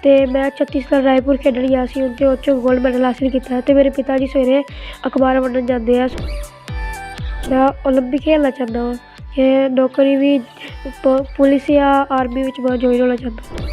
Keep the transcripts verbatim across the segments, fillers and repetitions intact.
ਅਤੇ ਮੈਂ ਛੱਤੀਸਗੜ੍ਹ ਰਾਏਪੁਰ ਖੇਡਣ ਗਿਆ ਸੀ ਅਤੇ ਉਹ 'ਚ ਗੋਲਡ ਮੈਡਲ ਹਾਸਿਲ ਕੀਤਾ ਅਤੇ ਮੇਰੇ ਪਿਤਾ ਜੀ ਸਵੇਰੇ ਅਖਬਾਰ ਵੰਡਣ ਜਾਂਦੇ ਆ। ਮੈਂ ਓਲੰਪਿਕ ਖੇਡਣਾ ਚਾਹੁੰਦਾ ਵਾਂ ਅਤੇ ਨੌਕਰੀ ਵੀ ਪ ਪੁਲਿਸ ਜਾਂ ਆਰਮੀ ਵਿੱਚ ਮੈਂ ਜੁਆਇਨ ਹੋਣਾ ਚਾਹੁੰਦਾ।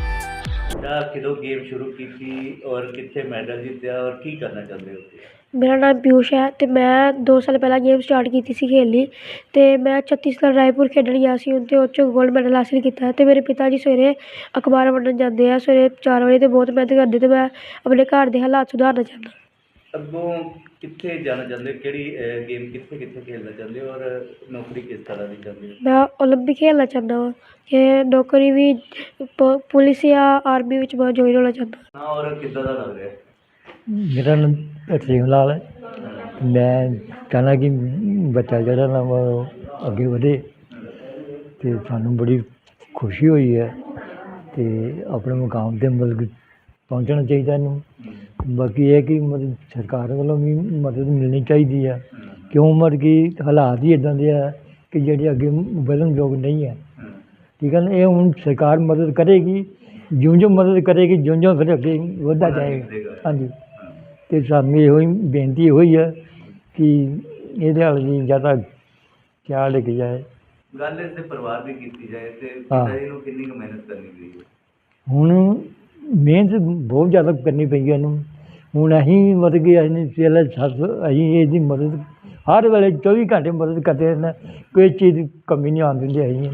ਕਦੋਂ ਗੇਮ ਸ਼ੁਰੂ ਕੀਤੀ ਔਰ ਕਿੱਥੇ ਮੈਡਲ ਜਿੱਤਿਆ ਔਰ ਕੀ ਕਰਨਾ ਚਾਹੁੰਦੇ ਹੋ? ਮੇਰਾ ਨਾਮ ਪਿਊਸ਼ ਹੈ ਅਤੇ ਮੈਂ ਦੋ ਸਾਲ ਪਹਿਲਾਂ ਗੇਮ ਸਟਾਰਟ ਕੀਤੀ ਸੀ ਖੇਡਣੀ ਅਤੇ ਮੈਂ ਛੱਤੀਸਗੜ੍ਹ ਰਾਏਪੁਰ ਖੇਡਣ ਗਿਆ ਸੀ ਅਤੇ ਉਹ 'ਚ ਗੋਲਡ ਮੈਡਲ ਹਾਸਿਲ ਕੀਤਾ ਅਤੇ ਮੇਰੇ ਪਿਤਾ ਜੀ ਸਵੇਰੇ ਅਖਬਾਰ ਵੰਡਣ ਜਾਂਦੇ ਆ ਸਵੇਰੇ ਚਾਰ ਵਜੇ ਅਤੇ ਬਹੁਤ ਮਿਹਨਤ ਕਰਦੇ ਅਤੇ ਮੈਂ ਆਪਣੇ ਘਰ ਦੇ ਹਾਲਾਤ ਸੁਧਾਰਨਾ ਚਾਹੁੰਦਾ। ਅੱਗੋਂ ਕਿੱਥੇ ਜਾਣਾ ਚਾਹੁੰਦੇ ਹੋ? ਕਿਹੜੀ ਗੇਮ ਕਿੱਥੇ ਕਿੱਥੇ ਖੇਡਣਾ ਚਾਹੁੰਦੇ ਹੋ ਔਰ ਨੌਕਰੀ ਕਿਸ ਤਰ੍ਹਾਂ ਦੀ ਚਾਹੁੰਦੇ ਹੋ? ਮੈਂ ਓਲੰਪਿਕ ਖੇਡਣਾ ਚਾਹੁੰਦਾ ਵਾਂ ਅਤੇ ਨੌਕਰੀ ਵੀ ਪ ਪੁਲਿਸ ਜਾਂ ਆਰਮੀ ਵਿੱਚ ਮੈਂ ਜੁਆਇਨ ਹੋਣਾ ਚਾਹੁੰਦਾ। ਹਾਂ, ਔਰ ਕਿੱਦਾਂ ਦਾ ਲੱਗ ਰਿਹਾ? ਮੇਰਾ ਨਾਮ ਤਰਸੇਮ ਲਾਲ ਹੈ। ਮੈਂ ਚਾਹੁੰਦਾ ਕਿ ਬੱਚਾ ਜਿਹੜਾ ਨਾ ਉਹ ਅੱਗੇ ਵਧੇ ਅਤੇ ਸਾਨੂੰ ਬੜੀ ਖੁਸ਼ੀ ਹੋਈ ਹੈ ਅਤੇ ਆਪਣੇ ਮੁਕਾਮ 'ਤੇ ਮਤਲਬ ਕਿ ਪਹੁੰਚਣਾ ਚਾਹੀਦਾ ਇਹਨੂੰ। ਬਾਕੀ ਇਹ ਕਿ ਮਤਲਬ ਸਰਕਾਰ ਵੱਲੋਂ ਵੀ ਮਦਦ ਮਿਲਣੀ ਚਾਹੀਦੀ ਹੈ, ਕਿਉਂ ਮਤਲਬ ਕਿ ਹਾਲਾਤ ਹੀ ਇੱਦਾਂ ਦੇ ਆ ਕਿ ਜਿਹੜੇ ਅੱਗੇ ਵਧਣ ਯੋਗ ਨਹੀਂ ਹੈ। ਠੀਕ ਹੈ ਨਾ, ਇਹ ਹੁਣ ਸਰਕਾਰ ਮਦਦ ਕਰੇਗੀ, ਜਿਉਂ ਜਿਉਂ ਮਦਦ ਕਰੇਗੀ ਜਿਉਂ ਜਿਉਂ ਫਿਰ ਅੱਗੇ ਵੱਧਦਾ ਜਾਏਗਾ। ਹਾਂਜੀ, ਅਤੇ ਸਾਨੂੰ ਇਹੋ ਹੀ ਬੇਨਤੀ ਇਹੋ ਹੀ ਹੈ ਕਿ ਇਹਦੇ ਵੱਲ ਵੀ ਜ਼ਿਆਦਾ ਖਿਆਲ ਰੱਖਿਆ ਜਾਏ। ਗੱਲ ਇਸ ਦੇ ਪਰਿਵਾਰ ਦੀ ਕੀਤੀ ਜਾਏ ਅਤੇ ਪਿਤਾ ਜੀ ਨੂੰ ਕਿੰਨੀ ਕੁ ਮਿਹਨਤ ਕਰਨੀ ਪਈ ਹੈ? ਹੁਣ ਮਿਹਨਤ ਬਹੁਤ ਜ਼ਿਆਦਾ ਕਰਨੀ ਪਈ ਹੈ ਇਹਨੂੰ। ਹੁਣ ਅਸੀਂ ਮਤਲਬ ਕਿ ਅਸੀਂ ਪਹਿਲਾਂ ਸੱਸ ਅਸੀਂ ਇਹਦੀ ਮਦਦ ਹਰ ਵੇਲੇ ਚੌਵੀ ਘੰਟੇ ਮਦਦ ਕਰਦੇ ਰਹਿੰਦੇ, ਕੋਈ ਚੀਜ਼ ਦੀ ਕਮੀ ਨਹੀਂ ਆਉਣ ਦਿੰਦੇ ਅਸੀਂ।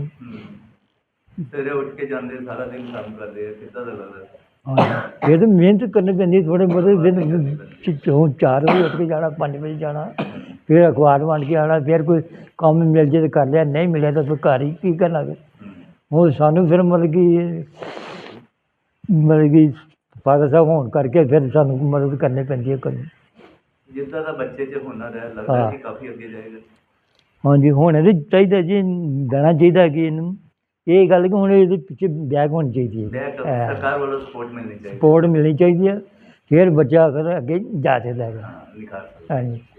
ਸਵੇਰੇ ਉੱਠ ਕੇ ਜਾਂਦੇ, ਸਾਰਾ ਦਿਨ ਕੰਮ ਕਰਦੇ ਆ, ਕਿੱਦਾਂ ਦਾ ਲੱਗਦਾ? ਹਾਂ, ਇਹ ਤਾਂ ਮਿਹਨਤ ਕਰਨੀ ਪੈਂਦੀ ਥੋੜ੍ਹੇ ਬਹੁਤੇ। ਫਿਰ ਹੁਣ ਚਾਰ ਵਜੇ ਉੱਠ ਕੇ ਜਾਣਾ, ਪੰਜ ਵਜੇ ਜਾਣਾ, ਫਿਰ ਅਖਬਾਰ ਵੰਡ ਕੇ ਆਉਣਾ, ਫਿਰ ਕੋਈ ਕੰਮ ਮਿਲ ਜੇ ਤਾਂ ਕਰ ਲਿਆ, ਨਹੀਂ ਮਿਲਿਆ ਤਾਂ ਫਿਰ ਘਰ ਹੀ ਕੀ ਕਰਨਾ। ਫਿਰ ਹੁਣ ਸਾਨੂੰ ਫਿਰ ਮਤਲਬ ਕਿ ਮਤਲਬ ਕਿ ਫਾਦਰ ਸਾਹਿਬ ਹੋਣ ਕਰਕੇ ਫਿਰ ਸਾਨੂੰ ਮਦਦ ਕਰਨੀ ਪੈਂਦੀ ਹੈ ਕਰਨੀ। ਜਿੱਦਾਂ ਦਾ ਬੱਚੇ 'ਚ ਹੁਨਰ ਹੈ, ਲੱਗਦਾ ਕਿ ਕਾਫੀ ਅੱਗੇ ਜਾਏਗਾ। ਹਾਂਜੀ, ਹੁਣ ਇਹਦੇ ਚਾਹੀਦਾ ਜੀ, ਦੇਣਾ ਚਾਹੀਦਾ ਕਿ ਇਹਨੂੰ ਇਹ ਗੱਲ ਕਿ ਹੁਣ ਇਹਦੇ ਪਿੱਛੇ ਬੈਕ ਹੋਣੀ ਚਾਹੀਦੀ ਹੈ, ਸਰਕਾਰ ਵੱਲੋਂ ਸਪੋਰਟ ਮਿਲਣੀ ਚਾਹੀਦੀ ਸਪੋਰਟ ਮਿਲਣੀ ਚਾਹੀਦੀ ਹੈ, ਫਿਰ ਬੱਚਾ ਫਿਰ ਅੱਗੇ ਜਾ ਸਕਦਾ ਹੈਗਾ। ਨਿਖਾਰ ਸਕਦਾ। ਹਾਂਜੀ।